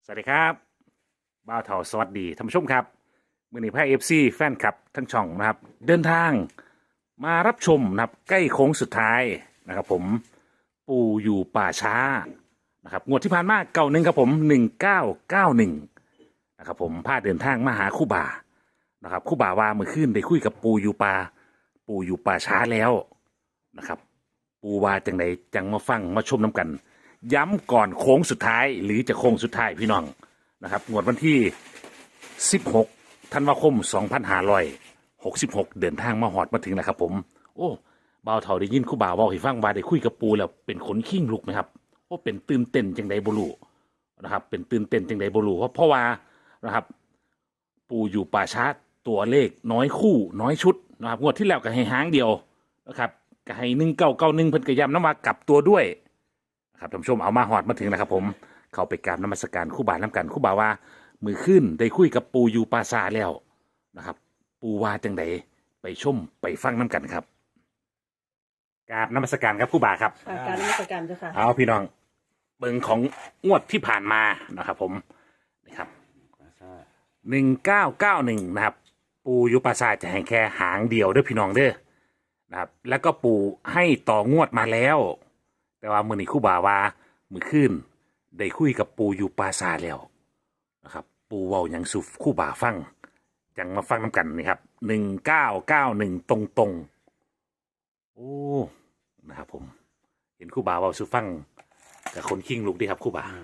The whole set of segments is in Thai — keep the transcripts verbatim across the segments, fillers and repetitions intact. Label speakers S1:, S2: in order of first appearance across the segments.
S1: สวัสดีครับบ่าวเถาสวัสดีท่านผู้ชมครับมือนี้พายเอฟซีแฟนคลับทั้งช่องนะครับเดินทางมารับชมนะครับใกล้โค้งสุดท้ายนะครับผมปู่อยู่ป่าช้านะครับงวดที่ผ่านมาเก่าหนึ่งครับผมหนึ่งเก้าเก้าหนึ่งนะครับผมพาเดินทางมาหาคู่บ่านะครับคู่บ่าว่าเมื่อคืนได้คุยกับปู่อยู่ป่าปู่อยู่ป่าช้าแล้วนะครับปู่ว่าจังไหนจังมาฟังมาชมน้ำกัน ย้ำก่อนโค้งสุดท้ายหรือจะโค้งสุดท้ายพี่น้องนะครับงวดวันที่สิบหกธันวาคมสองพันห้าร้อยหกสิบหกเดินทางมาหอดมาถึงแล้วครับผมโอ้บ่าวเฒ่าได้ยินครู่บ่าวบอกให้ฟังว่าได้คุยกับปูแล้วเป็นขนขิ้งลุกไหมครับโอ้เป็นตื่นเต้นจังใดบ่รู้นะครับเป็นตื่นเต้นจังใดบ่รู้เพราะเพราะว่านะครับปูอยู่ป่าช้าตัวเลขน้อยคู่น้อยชุดนะครับงวดที่แล้วก็ให้หางเดียวนะครับก็ให้หนึ่งเก้าเก้าหนึ่งเพิ่นก็ย้ำน้ำมากลับตัวด้วย ครับท่านผู้ชมเอามาหอดมาถึงแล้วครับผมเข้าไปกราบนมัสการครู่บาน้ำกันครู่บาว่ามือขึ้นได้คุยกับปูอยู่ปราสาทแล้วนะครับปูว่าจังไดไปชมไปฟังน้ำกันครับกราบนมัสการครับครู่บาครับ
S2: อาการนมัสการเจ้าค่ะ
S1: เอาพี่น้องเบิ่งของงวดที่ผ่านมานะครับผมนะครับหนึ่งเก้าเก้าหนึ่งนะครับปูอยู่ปราสาทจะให้แค่หางเดียวเด้อพี่น้องเด้อนะครับแล้วก็ปูให้ต่องวดมาแล้ว แต่ว่ามือนี้ครู่บ่าว่ามือขึ้นได้คุยกับปูอยู่ปราสาทแล้วนะครับปูเว้าหยังสุครู่บ่าฟังจังมาฟังน้ำกันนี่ครับหนึ่งเก้าเก้าหนึ่งตรงตรงๆโอ้นะครับผมเห็นครู่บ่าเว้าสุฟังกับคนคิงลูกดีครับครู่บ่า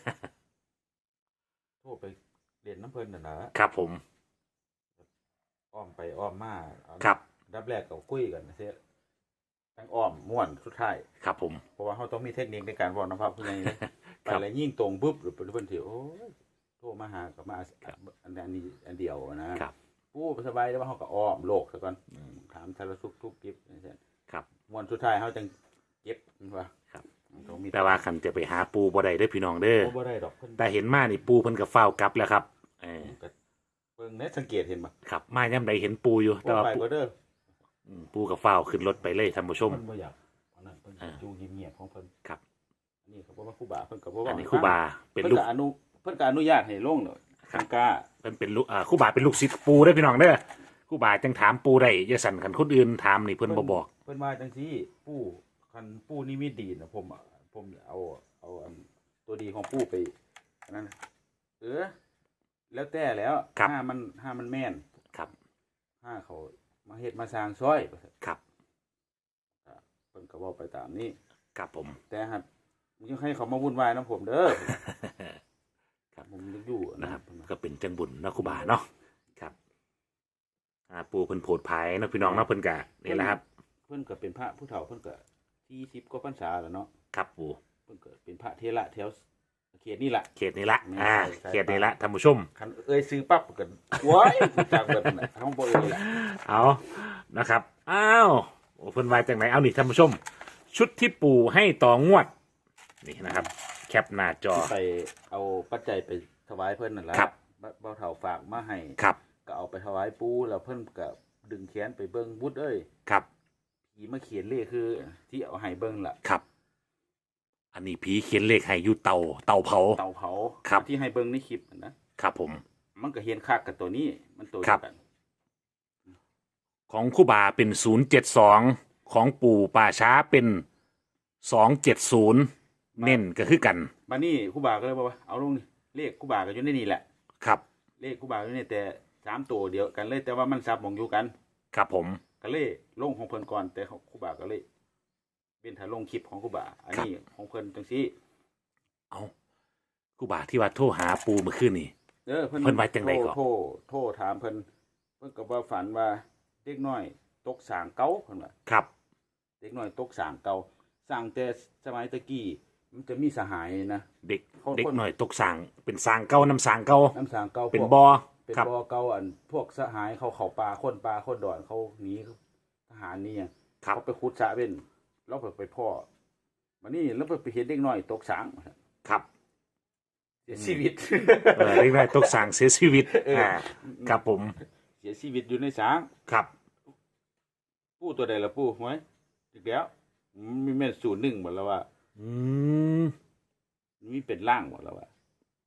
S3: โทรไปเรียนน้ำเพลินน่ะนะครับ
S1: ผม
S3: อ้อมไปอ้อมมาเอา
S1: ครับ
S3: ดับแรกก็คุยกันเสียทั้งอ้อมม่วนสุดท้าย
S1: ครับผม
S3: เพราะว่าเขาต้องมีเทคนิคในการบอกนะครับผู้ใหญ่เลย ไป
S1: ครับ
S3: แล้วยิ่งตรงปุ๊บหรือเป็นเพื่อนที่โอ้ยโทรมาหากับมาอันนี้อันเดียวนะครับ ปู้สบายแล้วว่าเขาก็อ้อมโลกซะก่อนถามทารสุกทุกกิฟต์นี่ใช่
S1: ครับ
S3: ม่วนสุดท้ายเขาจังเก็บมันว่า
S1: ครับ
S3: ต้องมี
S1: แต่ว่าคันจะไปหาปูบ่ได้เด้อพี่น้องเด้อ
S3: โอ้บ่ได้ดอกเพิ่น
S1: แต่เห็นมานี่ปูเพิ่นกับเฝ้าวกลับแล้วครับเออ
S3: ก็เบิ่งเน็ตสังเกตเห็นบ่
S1: ครับมาย่ำใดเห็นปูอยู่แต่
S3: บ่
S1: ว่า
S3: ไป
S1: ปู
S3: บ่เด้อ
S1: อืมปูกับเฝ้าวขึ้นรถไปเลยท่านผู้ชม
S3: เพิ่นบ่อยากอันนั้นเพิ่น
S1: อ่า
S3: อยู่เงียบๆของเพิ่น
S1: ครับ
S3: อันนี้เขาบอกว่าครูบาเพิ่นก็บ่
S1: อั
S3: ว่าน
S1: นี้ครู่บาเป็น
S3: เพิ่น
S1: ลูก
S3: ก็อนุเพิ่นก็อนุญาตให้ลงเนาะสังกา
S1: เป็นเป็นลูกอ่าครู่บาเป็นลูกศิษย์ปูได้อพี่น้องเด้อครู่บาจังถามปูได้อย่าสั่นคันคนอื่นถามนี่เพิ่นบ่บอก
S3: เพิ่นว่าจังซี่ปู่คันปู่นิมิตดีนะผมอะผมเอาเอาอันตัวดีของปู่ไปอันนั้นเออแล้วแต่แล้ว
S1: ครับ
S3: ห้ามันห้ามันแม่น
S1: ครับ
S3: ห้าเขามาเฮ็ดมาสร้างซอย
S1: ครับ
S3: เพิ่นก็เว้าไปตามนี้
S1: ครับผม
S3: แต่หัดยังให้เขามาวุ่นวายนํผมเด้อ
S1: ครับ
S3: ผมยังอยู่
S1: นะครับ
S3: เพิ่นว่า
S1: ก็เป็นจังบุญเนาะครู่บาเนาะครับอ่าปูเพิ่นโผดภายเนาะพี่น้องเนาะเพิ่นกะนี่แหละครับ
S3: เพิ่นก็เป็นพระผู้เฒ่าเพิ่นก็สี่สิบกว่าพรรษาแล้วเนาะ
S1: ครับปู
S3: เพิ่นก็เป็นพระเทระแถวเขตนี่แหละ
S1: เขตนี้ละอ่า
S3: ใช่
S1: เขตนี้ละท่านผู้ชม
S3: คันเอ้ยซื้อปั๊บก็โว้ยจากเบิดนั่นน่ะเฮาบ่เอ้ยล่ะ
S1: เอานะครับอ้าวโอ้เพิ่นว่าจังไหนเอานี่ท่านผู้ชม ชุดที่ปูให้ต่องวดนี่นะครับ แคปหน้าจอ
S3: ไปเอาปัจจัยไปถวายเพิ่นนั่นล่ะ
S1: ครับ
S3: เบ่าวเฒ่าฝากมาให้
S1: ครับ
S3: ก็เอาไปถวายปู่แล้วเพิ่นก็ดึงแขนไปเบิ่งบุตรเอ้ย
S1: ครับ
S3: ผีมาเขียนเลขคือที่เอาให้เบิ่งล่ะ
S1: ครับ อันนี้ผีเขียนเลขให้อยู่เตาเตาเผา
S3: เตาเผา
S1: ครับ
S3: ที่ให้เบิ่งในคลิปนั่นนะครับ
S1: ผม
S3: มันก็เห็นคักกับตัวนี้มันตัว
S1: ครั
S3: เดี
S1: บ
S3: ยวกัน
S1: ของคู่บาเป็นศูนย์เจ็ดสองของปู่ป่าช้าเป็นสองเจ็ดศูนย์เน้นก็คือกัน
S3: บัดนี้ครูบาก็เลยบอกว่าเอาลงนี่เลขครูบาก็อยู่ในนี่แหละ
S1: ครับ
S3: เลขครูบาอยู่ในแต่สามตัวเดียวกันเลยแต่ว่ามันซับหมองอยู่กัน
S1: ครับผม
S3: ก็เลยลงของเพิ่นก่อนแต่ของครูบาก็เลยเป็นถ้าลงคลิปของครูบาอันนี้ของเพิ่นจังซี่
S1: เอาคู่บาที่ว่าโทรหาปูเมื่อคืนนี่
S3: เออเพิ่น
S1: เพิ่นว่าจังใดก่อน
S3: โทรโทรโทรถามเพิ่นเพิ่นก็ว่าฝันว่าเด็กน้อยตกสางเก่าเพิ่นว่า
S1: ครับ
S3: เด็กน้อยตกสางเก่าสร้างแต่สมัยตะกี้มันจะมีสหายนะ
S1: เด็ก
S3: คน
S1: เด็กหน่อยตกสางเป็นสางเก่าน้ำสางเก่า
S3: น้ำสางเก่า
S1: เป็น
S3: พวก
S1: บอ
S3: เป็น
S1: ครับ
S3: บ่อเก่าอันพวกสหายเขาเข้าป่าคนป่าคนดอนเขาหนีทหารนี่หยัง
S1: ครับ
S3: เขาไปขุดสระเป็นแล้วไปไปพ่อมานี่แล้วไปเห็นเด็กน้อยตกสาง
S1: ครับ
S3: เสียชีวิต
S1: เออเด็กหน่อยตกสางเสียชีวิต
S3: เอออ่
S1: อ่าครับผม
S3: เสียชีวิตอยู่ในสาง
S1: ครับ
S3: ปู่ตัวใดละปู่หวยอีกแล้วมีแม่นศูนย์หนึ่งหมดแล้วว่า
S1: อืม
S3: มีเป็นล่างหมดแล้วว่า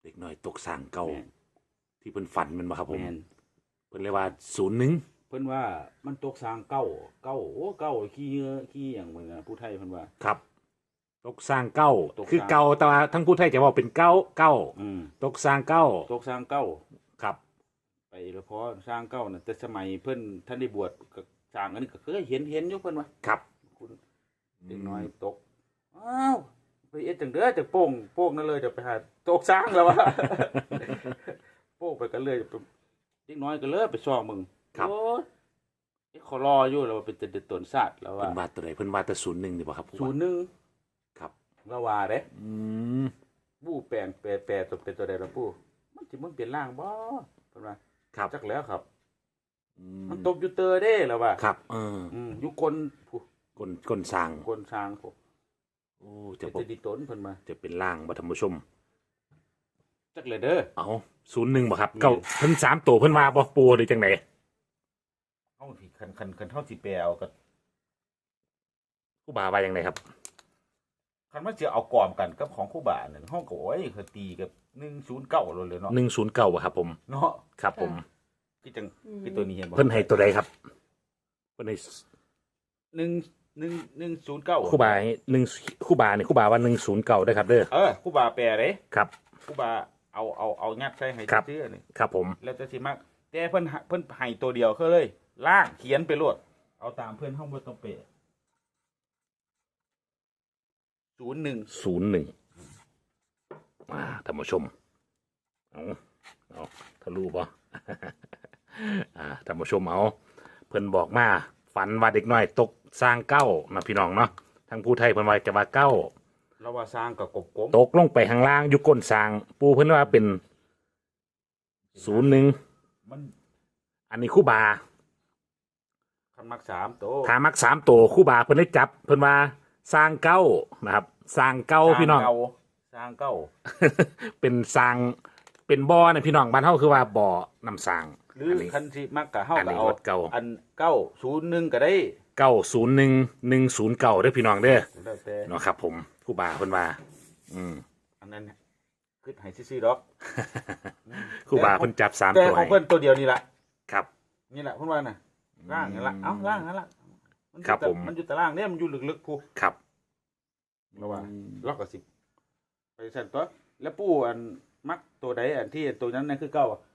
S1: เด็กน้อยตกสร้างเก่า
S3: แม่น
S1: ที่เพิ่นฝันแมันบ่ครับผม
S3: แม่น
S1: เพิ่นเรียกว่าศูนย์หนึ่ง
S3: เพิ่นว่ามันตกสร้างเก้าเก้าโอ้เก้าขี้เหงือขี้หยังเหมือนกันผู้ไทยเพิ่นว่า
S1: ครับ ตกสร้างเก้า
S3: ตกสร้าง
S1: คือเก่าแต่ว่าทั้งผู้ไทยจะว่าเป็นเก้าเก้า
S3: อืม
S1: ตกสร้างเก้า
S3: ตกสร้างเก้า
S1: ครับ
S3: ไปแล้วพอสร้างเก้าน่ะแต่สมัยเพิ่นท่านได้บวชก็สร้างอันนี้ก็เคยเห็นเห็นอยู่เพิ่นว่า
S1: ครับ
S3: คุณเด็กน้อยตกอ้าวไปเอ็ดจังเด้อจะโป่งโป่งนั่นเลยจะไปหาตกสร้างแล้ววะ โป่งไปกันเลยจะไปเด็กน้อยก็เลยไปซ่อมมึง
S1: ครับ
S3: โอ้ยไอ้ขอรออยู่แล้วว่าเป็นแต่ตนสัตว์แล้ว
S1: เพิ่
S3: ว่าน
S1: ว่าตัวใดเพิ่นว่าแต่ศูนย์หนึ่งดีบ่ครับผม
S3: ศูนย์หนึ่ง
S1: ครับ
S3: แล้วว่าเด้
S1: อืม
S3: บู้แปลงแปรแปรตัวเป็นตัวใดล่ะปู่มันสิมันเปลี่ยนร่างบ่เพิ่นว่า
S1: ครับ
S3: จักแล้วครับ
S1: อื
S3: มันตกอยู่เตอเด้แล้วว่า
S1: ครับเออ
S3: อืมอยู่กลผู้
S1: ก้นก้นสร้าง
S3: กลช้างผู้
S1: โอ้จะ
S3: จะ
S1: บ่
S3: ดิตนเพิ่นมา
S1: จะเป็นล่างบ่ท่านผู้ชม
S3: จักเลยเด้อ
S1: เอาศูนย์หนึ่งบ่ครับ
S3: แม่น
S1: เก้าเพิ่นสามตัวเพิ่นว่าบ่ปูหรือจังได
S3: เฮาสิคันคันคันเฮาสิแปลเอาก็
S1: ครูบาว่าจังไดครับ
S3: คันว่าสิเอากอมกันกับของครูบานั่นเฮาก็โอ้ยคือตีกับหนึ่งศูนย์เก้าเลยเลยเนาะ
S1: หนึ่งศูนย์เก้าบ่ครับผม
S3: เนาะ
S1: ครับผม
S3: คือจังคือตัวนี้เห็นบ่
S1: เพิ่นให้ตัวใดครับเพิ่นให้
S3: หนึ่ง หนึ่ง หนึ่งศูนย์เก้า
S1: ครูบาให้หนึ่งครูบานี่ครูบาว่าหนึ่งศูนย์เก้าได้อครับเด้อ
S3: เออครูบาแปลเด้
S1: ครับ
S3: ครูบาเอาเอาเอายัดใส่ให้
S1: ครับ
S3: ซื่อๆนี่
S1: ครับผม
S3: แล้วแต่สิมักแต่เพิ่นหาเพิ่นให้ตัวเดียวคือเลยล่างเขียนไปโลดเอาตามเพิ่นเฮาบ่ต้องเปะศูนย์หนึ่ง
S1: ศูนย์หนึ่งอ่าท่านผู้ชมเอาเอาทะลุป่ะ อ่าท่านผู้ชมเอาเพิ่นบอกมาฝันว่าเด็กน้อยตกสร้างเก้านะพี่น้องเนาะทั้งผู้ไทยเพิ่นว่าจะว่าเก้า
S3: เราว่าสร้างกับกบกลม
S1: ตกลงไปข้างล่างอยู่ก้นสร้าง ปูเพิ่นว่าเป็นศูนย์หนึ่ง
S3: มัน
S1: อันนี้คู่บา
S3: คันมักสามโต
S1: ถามักสามตัวคู่บาเพิ่นได้จับ เพิ่นว่าสร้างเก้านะครับ สร้างเก้าพี่น้อง
S3: สร้เก่าสร้างเก้า
S1: เป็นสร้างเป็นบ่อนะพี่น้องบ้านเฮาคือว่าบ่อนำสร้าง
S3: หรืออน
S1: นี้
S3: คันสิมักกะเฮา
S1: อัน
S3: ก็
S1: นี้
S3: เอา
S1: วัดเก่า
S3: อันเก้าศูนย์หนึ่งก็ได้
S1: เก้าศูนย์หนึ่งหนึ่งศูนย์เก้าเด้อพี่น้องเด้อ
S3: แล้วแต่
S1: เนาะครับ ผมคู่บาเพิ่นว่า อืม
S3: อันนั้นคือให้ซื่อๆดอก
S1: คู่บาเพิ่นจับสาม
S3: แต่
S1: ตัว
S3: ของ
S1: ให้
S3: เพิ่นตัวเดียวนี่ล่ะ
S1: ครับ
S3: นี่แหละเพิ่นว่าน่ะร่างนี่ล่ะเอ้าร่างนั่นล่ะมันอยู่
S1: ครับ
S3: แต่
S1: ผม
S3: มันอยู่แต่ร่างเนี่ยมันอยู่ลึกๆผู้
S1: ครับ
S3: แล้วว่าล็อกก็สิไปสั่นตัวแล้วปู่อันมักตัวใดอันที่ตัวนั้นนั่นคือเก้าอะ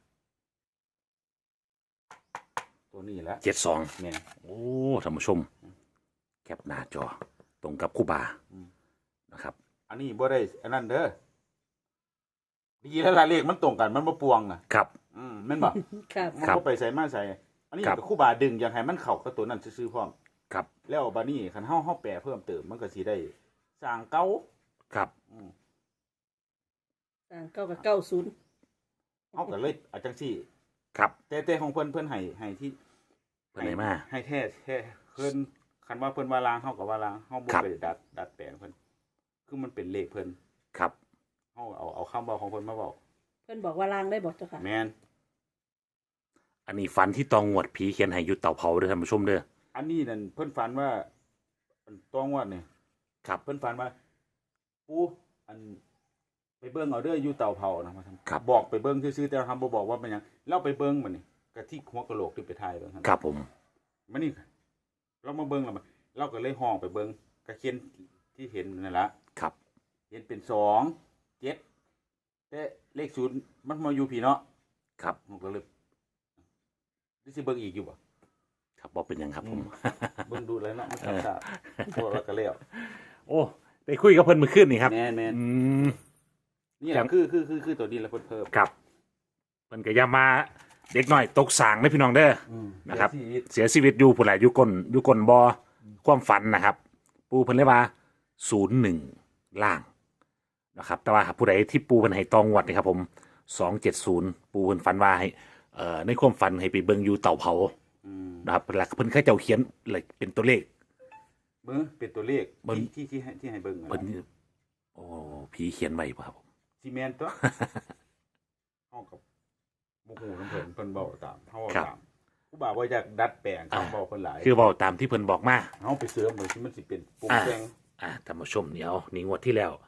S3: ตัวนี้แหละ
S1: เจ็ดสอง
S3: แม่น
S1: โอ้ท่านผู้ชม แคปหน้าจอ ตรงกับคู่บา
S3: อืม
S1: นะครับ
S3: อันนี้บ่ได้อันนั้นเด้อดีแล้วล่ะเลขมันตรงกันมันบ่ปวงอ่ะ
S1: ครับ
S3: อืมแม่นบ่
S2: ครับ
S3: มัน
S1: ครับ
S3: บ่ไปใส่มาใส่ อันนี้
S1: ครับ
S3: ก็ครู่บาดึงอยากให้มันเข้ากับตัวนั้นซื่อๆพร้อม
S1: ครับ
S3: แล้วบัดนี้คันเฮาเฮาแปลเพิ่มเติมมันก็สิได้สร้างเก่า
S1: ครับ
S3: อืม
S2: อ่าเก้ากับเก้าศูนย์
S3: เฮาก็เลยเอาจังซี่
S1: ครับ
S3: แต่แต่ของเพิ่นเพิ่นให้ให้ที่
S1: เพิ่นให้มา
S3: ให้แท้แท้เพิ่นคันว่าเพิ่นว่าลางเฮาก็ว่าลางเฮาบ่
S1: ครับ
S3: ไปดัดดัดแปลงเพิ่นคือมันเป็นเลขเพิ่น
S1: ครับ
S3: เฮาเอาเอาคำเว้าของเพิ่นมาเว้า
S2: เพื่อนบอกว่าลางได้บอกเจ้าค่ะ
S3: แม่น
S1: อันนี้ฝันที่ตองงวดผีเขียนให้อยู่เต่าเผาเด้อท่านผู้ชมเด้อ
S3: อันนี้นั่นเพิ่นฝันว่าอันต้องว่านี่
S1: ครับ
S3: เพิ่นฝันว่าปู่อันไปเบิ่งเอาเด้ออยู่เตาเผานะมาทำ
S1: ครับ
S3: บอกไปเบิ่งซื่อๆแต่ทำบ่บอกว่าเป็นหยังเราไปเบิ่งมันนี่กะที่หัวกะโหลกที่ไปถ่ายเบิ่งหั่น
S1: ครับผม
S3: มันนี่เรามาเบิ่งแล้วมันเราก็เลยห้องไปเบิ่งกะเขียนที่เห็นนั่นล่ะ
S1: ครับ
S3: เห็นเป็นสองเจ็ดแต่เลขศูนย์มันมาอยู่พี่เนาะ
S1: ครับ
S3: ผมก็เลยนี่สิเบิ่งอีกอยู่บ่
S1: ครับบอกเป็นหยังครับผม
S3: เบิ่งดูแล้วเนาะมันทำซาพวกเราก็แล้ว
S1: โอ้ได้คุยกับเพิ่นเมื่อคืนนี่ครับ
S3: แม่นแม่น
S1: อืม
S3: นี่แห
S1: ครั
S3: ละ
S1: บ
S3: คือคือคือคือตัวนี้แล้วเพิ่นเพิ่ม
S1: ครับเพิ่นก็อย่ามาเด็กน้อยตกสางนะพี่น้องเด้อ นะครับ
S3: เสียชีวิต
S1: เสียชีวิตอยู่ผู้หลายอยู่ก้นอยู่ก้นบ่อความฝันนะครับ ปูเพิ่นเลยว่าศูนย์หนึ่งล่างนะครับ แต่ว่าผู้ใดที่ปูเพิ่นให้ตองงวดนี่ครับผมสองเจ็ดศูนย์ปูเพิ่นฝันว่าให้เอ่อในความฝันให้ไปเบิ่งอยู่เต่าเผา
S3: อืม
S1: นะครับหลักเพิ่นแค่เจ้าเขียนเลยเป็นตัวเลข
S3: เบิ่งเป็นตัวเลข
S1: เบิ่ง
S3: ที่ที่ที่ให้ที่ให้เบิ่งอะ
S1: เพิ่น
S3: นะ
S1: โอ้ผีเขียนไว้ป่ะครับผม
S3: ซีเมนต์ตัว เฮากับบ่ฮู้นำเพิ่นเพิ่นเว้าตามเฮาเว้าตามผู้บ่าวว่าอยากดัดแปลงคำเว้าเพิ่นหลาย
S1: คือเว้าตามที่เพิ่นบอกมา
S3: เฮาไปเสริมเหมือนที่มันสิเป็นปรุง
S1: อ่า
S3: แต่ง
S1: อ่าท่านผู้ชมเดี๋ยวนี่งวดที่แล้ว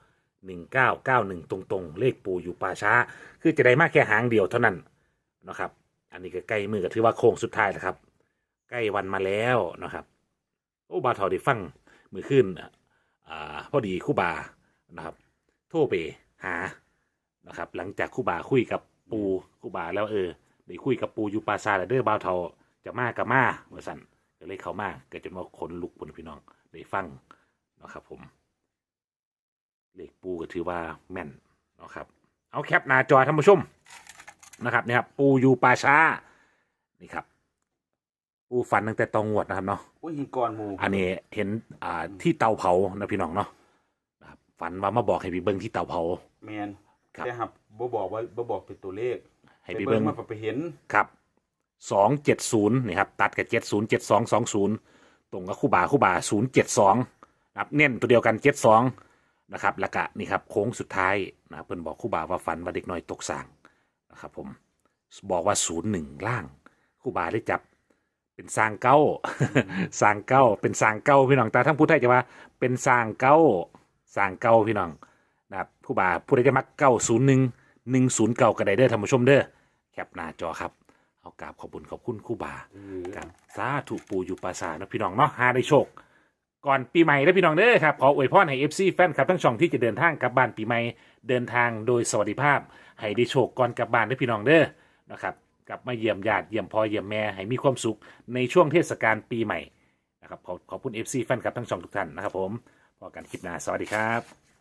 S1: หนึ่งเก้าเก้าหนึ่งตรงๆ เลขปูอยู่ป่าช้า คือจะได้มากแค่หางเดียวเท่านั้นนะครับ อันนี้ก็ใกล้มือก็ถือว่าโค้งสุดท้ายแล้วครับ ใกล้วันมาแล้วนะครับโอ้บาทอได้ฟังมือขึ้นอ่าพอดีครู่บานะครับ โทรไปหานะครับ หลังจากครู่บาคุยกับปูครู่บาแล้วเออได้คุยกับปูอยู่ปราสาทแล้วเด้อบาวเทาจะมากับมาเมื่อสันก็เลยเข้ามาเกิดจนว่าขนลุกบนพี่น้องได้ฟังนะครับผมเลขปูก็ถือว่าแม่นนะครับเอาแคปหน้าจอท่านผู้ชมนะครับนี่ครับปูอยู่ป่าช้านี่ครับปูฟันตั้งแต่ตองงวดนะครับเนาะ
S3: อุ้ยหินก้อนหมู
S1: อันนี้เห็นอ่าที่เตาเผานะพี่น้องเนาะนะครับฝันว่ามาบอกให้พี่เบิ้งที่เตาเผา
S3: แมน
S1: ครับ
S3: แต่หับบ่บอกว่าบ่บอกเป็นตัวเลข
S1: ให้พี่เบิ้ง
S3: มาไปเห็น
S1: ครับสองเจ็ดศูนย์นี่ครับตัดกับเจ็ดศูนย์เจ็ดสองสองศูนย์ตรงกับคู่บาคู่บาศูนย์เจ็ดสองนะครับเน้นตัวเดียวกันเจ็ดสองนะครับแล้วก็นี่ครับโค้งสุดท้ายนะครับเพิ่นบอกคู่บาว่าฝันว่าเด็กน้อยตกสร้างนะครับผมบอกว่าศูนย์หนึ่งล่างคู่บาได้จับเป็นสร้างเก้า สร้างเก้าเป็นสร้างเก้าพี่น้องแต่ทั้งผู้ไทยจะว่าเป็นสร้างเก้าสร้างเก้าพี่น้องนะครับคู่บาผู้ใดจะมักเก้าศูนย์หนึ่งหนึ่งศูนย์เก้าก็ได้เด้อท่านผู้ชมเด้อแคปหน้าจอครับเอากราบขอบคุณขอบคุณคู่บา
S3: เออ
S1: กับสาธุปูอยู่ปราสาทนะพี่น้องเนาะหาได้โชค ก่อนปีใหม่นะพี่น้องเด้อครับขออวยพรให้ เอฟ ซี แฟนคลับทั้งช่องที่จะเดินทางกลับบ้านปีใหม่เดินทางโดยสวัสดิภาพให้ได้โชคก่อนกลับบ้านนะพี่น้องเด้อนะครับกลับมาเยี่ยมญาติเยี่ยมพ่อเยี่ยมแม่ให้มีความสุขในช่วงเทศกาลปีใหม่นะครับขอขอบคุณ เอฟ ซี แฟนคลับทั้งช่องทุกท่านนะครับผมพอกันคลิปหน้าสวัสดีครับ